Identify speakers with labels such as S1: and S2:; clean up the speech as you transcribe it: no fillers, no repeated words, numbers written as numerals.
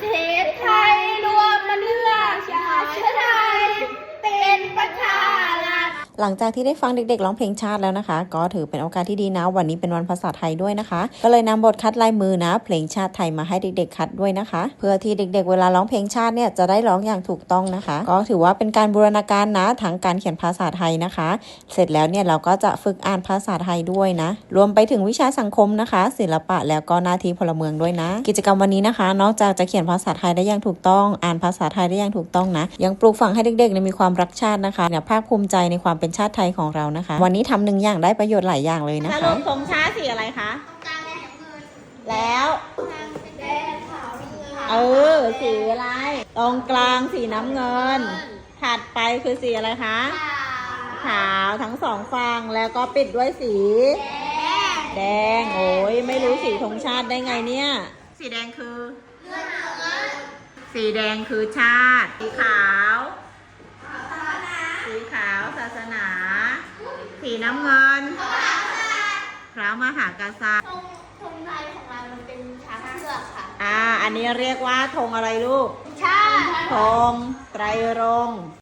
S1: เทศไทยรวมเลือกชาติไทยเป็นประชารัฐ
S2: หลังจากที่ได้ฟังเด็กๆร้องเพลงชาติแล้วนะคะก็ถือเป็นโอกาสที่ดีนะวันนี้เป็นวันภาษาไทยด้วยนะคะก็เลยนำบทคัดลายมือนะเพลงชาติไทยมาให้เด็กๆคัดด้วยนะคะเพื่อที่เด็กๆเวลาร้องเพลงชาติเนี่ยจะได้ร้องอย่างถูกต้องนะคะก็ถือว่าเป็นการบูรณาการนะทั้งการเขียนภาษาไทยนะคะเสร็จแล้วเนี่ยเราก็จะฝึกอ่านภาษาไทยด้วยนะรวมไปถึงวิชาสังคมนะคะศิลปะแล้วก็หน้าที่พลเมืองด้วยนะกิจกรรมวันนี้นะคะนอกจากจะเขียนภาษาไทยได้อย่างถูกต้องอ่านภาษาไทยได้อย่างถูกต้องนะยังปลูกฝังให้เด็กๆมีความรักชาตินะคะเนี่ยภาคภูมิใจในความเป็นชาติไทยของเรานะคะวันนี้ทำหนึ่งอย่างได้ประโยชน์หลายอย่างเลยนะคะสรุปธงชาติสีอะไรคะแล้วสีอะไรตรงกลางสีน้ำเงินถัดไปคือสีอะไรคะขาวทั้งสองฝั่งแล้วก็ปิดด้วยสีแดงโอ้ยไม่รู้สีธงชาติได้ไงเนี่ยสีแดงคือสีแดงคือชาติสีขาวศาสนาสีน้ำเงินพระมหากษัตริย์
S1: ธงไทยของเรามันเป็นช้างเผือกค่ะ
S2: อันนี้เรียกว่าธงอะไรลูก
S1: ชาติ
S2: ธงไตรรงค์